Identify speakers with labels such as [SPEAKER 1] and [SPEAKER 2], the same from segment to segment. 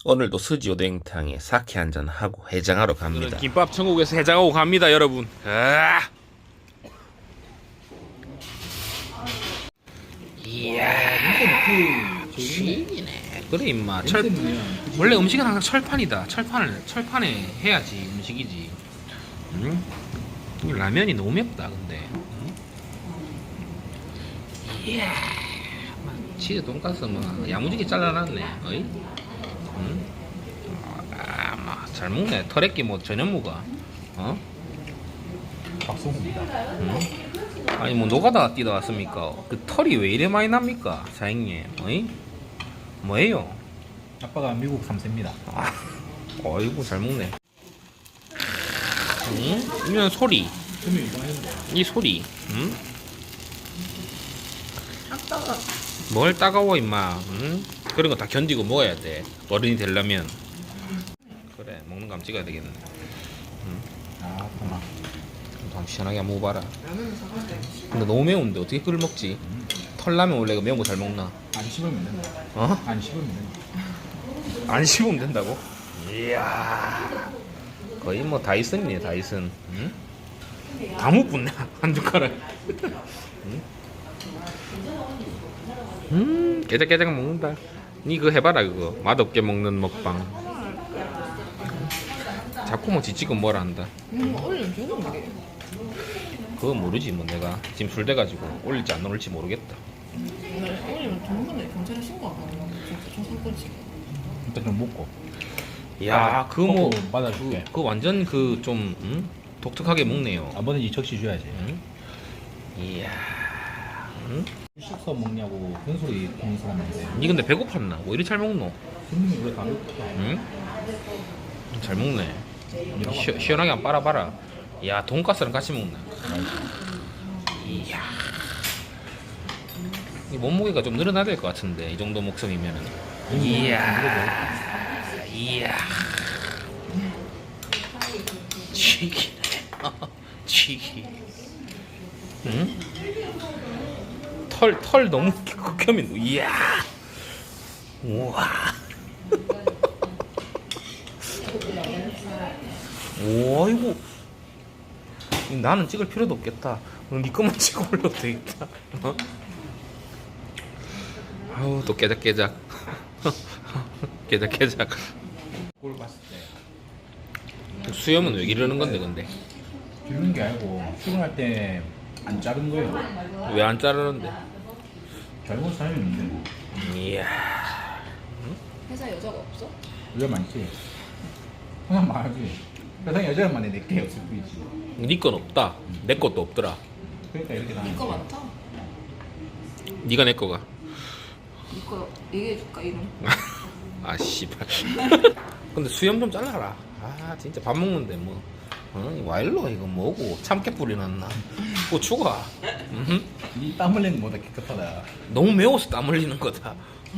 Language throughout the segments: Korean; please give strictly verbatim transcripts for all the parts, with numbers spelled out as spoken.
[SPEAKER 1] 오늘도 스지오뎅탕에 사케 한잔 하고 해장하러 갑니다.
[SPEAKER 2] 김밥 천국에서 해장하고 갑니다, 여러분. 아! 이야, 쥐기네. 그래 임마. 철 원래 음식은 항상 철판이다. 철판을 철판에 해야지 음식이지. 응? 이 라면이 너무 맵다 근데. 응? 이야, 막 치즈 돈가스 막 야무지게 잘라놨네. 어이? 응? 아, 막 잘 먹네. 터렛기 뭐 전혀 먹어. 어?
[SPEAKER 3] 박성호입니다.
[SPEAKER 2] 응? 아니 뭐 노가다 뛰다 왔습니까? 그 털이 왜 이래 많이 납니까, 사장님? 어이? 뭐예요?
[SPEAKER 3] 아빠가 미국 삼 세입니다.
[SPEAKER 2] 아, 어이구 잘 먹네. 응? 이런 소리,
[SPEAKER 3] 금이 이상했는데.
[SPEAKER 2] 이 소리, 응? 뭘 따가워 임마, 응? 그런 거 다 견디고 먹어야 돼. 어른이 되려면. 그래, 먹는 거 한번 찍어야 되겠네.
[SPEAKER 3] 아, 고마.
[SPEAKER 2] 한번 시원하게 한번 먹어봐라. 근데 너무 매운데 어떻게 그걸 먹지? 털라면 원래 그 매운 거 잘 먹나?
[SPEAKER 3] 안 씹으면 된다.
[SPEAKER 2] 어?
[SPEAKER 3] 안 씹으면 된다.
[SPEAKER 2] 안 씹으면 된다고? 이야, 거의 뭐 다이슨이네 다이슨. 응? 다 못 붙네 한 숟가락. 응? 음, 깨작깨작 먹는다. 니 그거 해봐라 그거. 맛없게 먹는 먹방. 자꾸 뭐 지치고 뭐라 한다.
[SPEAKER 4] 음, 올리면 좋은데.
[SPEAKER 2] 그거 모르지 뭐 내가 지금 술 돼가지고 올릴지 안 올릴지 모르겠다.
[SPEAKER 4] 오늘 올리면 전문가에 경찰에 신고하거든요. 진짜 초상권씩.
[SPEAKER 3] 일단 좀 먹고.
[SPEAKER 2] 야, 그거 뭐
[SPEAKER 3] 먹고 받아줄게.
[SPEAKER 2] 그 완전 그 좀 응? 독특하게 먹네요.
[SPEAKER 3] 아버지 적시 줘야지.
[SPEAKER 2] 응? 이야. 응?
[SPEAKER 3] 식사 먹냐고 그런 소리 듣는 사람인데.
[SPEAKER 2] 니 근데 배고팠나? 뭐 이리 잘 먹노?
[SPEAKER 3] 손님이 왜 다르다?
[SPEAKER 2] 응? 잘 먹네. 시, 시원하게 한번 빨아봐라. 야, 돈가스랑 같이 먹나? 이야. 이 몸무게가 좀 늘어나야 될 것 같은데 이 정도 목성이면은. 이야. 이야. 쥐기네. 쥐기. 응? 털, 털 너무 극혐이. 이야. 우와. 오, 아이고. 나는 찍을 필요도 없겠다. 니 것만 찍어 올려도 되겠다. 어? 아우, 또 깨작깨작. 깨작깨작.
[SPEAKER 3] 꼴 봤을 때
[SPEAKER 2] 수염은 왜 이러는 건데, 근데?
[SPEAKER 3] 기르는 게 아니고 출근할 때 안 자른 거예요.
[SPEAKER 2] 왜 안 자르는데?
[SPEAKER 3] 젊은 사람이 있는데
[SPEAKER 2] 이야.
[SPEAKER 4] 회사 여자가 없어?
[SPEAKER 3] 여자 많지. 항상 말하지. 세상에 여자만 많이 내게 없을 뿐이지.
[SPEAKER 2] 니 건 없다. 내 것도 없더라.
[SPEAKER 3] 그러니까 이렇게 나는
[SPEAKER 4] 이거 많다.
[SPEAKER 2] 니가 내 거가.
[SPEAKER 4] 이거 얘기해줄까 이름?
[SPEAKER 2] 아, 씨발. 근데 수염 좀 잘라라. 아, 진짜 밥 먹는데 뭐. 어? 와일로 이거 뭐고 참깨 뿌리 났나? 고추가. 음?
[SPEAKER 3] 이땀 흘리는 거보다 깨끗하다.
[SPEAKER 2] 너무 매워서 땀 흘리는 거다.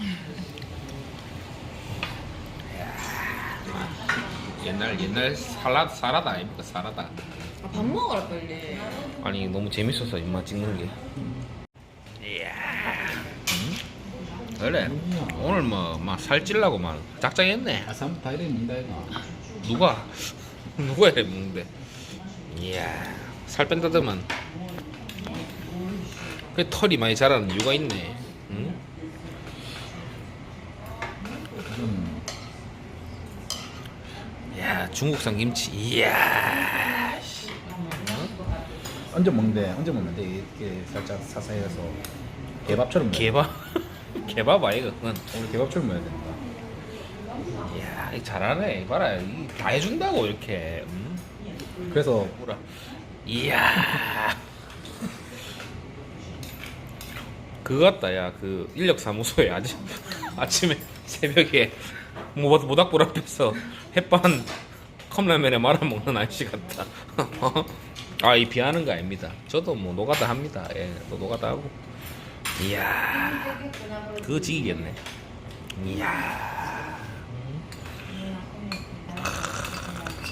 [SPEAKER 2] 옛날 옛날 살라 사라다 아닙니까 사라다.
[SPEAKER 4] 아, 밥 먹어라 빨리.
[SPEAKER 2] 아니 너무 재밌어서 입맛 찍는 게. 이야. 음? 그래. 오늘 뭐막 살찔라고 막 작정했네.
[SPEAKER 3] 아삼 다 이래 먹는다 이거.
[SPEAKER 2] 누가 누가 이래 먹는데. 이야. 살 뺀다더만. 그 털이 많이 자라는 이유가 있네. 응?
[SPEAKER 3] 음.
[SPEAKER 2] 야, 중국산 김치. 이야.
[SPEAKER 3] 언제 먹는데 언제 먹는데 이렇게 살짝 사사해서 개밥처럼 먹어야
[SPEAKER 2] 개밥. 개밥 아이가 그건.
[SPEAKER 3] 오늘 개밥처럼 먹어야 된다.
[SPEAKER 2] 이야, 이거 잘하네. 봐라. 이다 해준다고 이렇게. 응?
[SPEAKER 3] 그래서
[SPEAKER 2] 뭐라. 이야. 그거 같다. 야, 그 인력사무소에 아침 아침에 새벽에 모 모닥불 앞에서 햇반 컵라면에 말아 먹는 아저씨 같다. 아, 이 비하는 거 아닙니다. 저도 뭐 노가다 합니다. 예, 또 노가다 하고. 이야, 그거 지기겠네. 이야.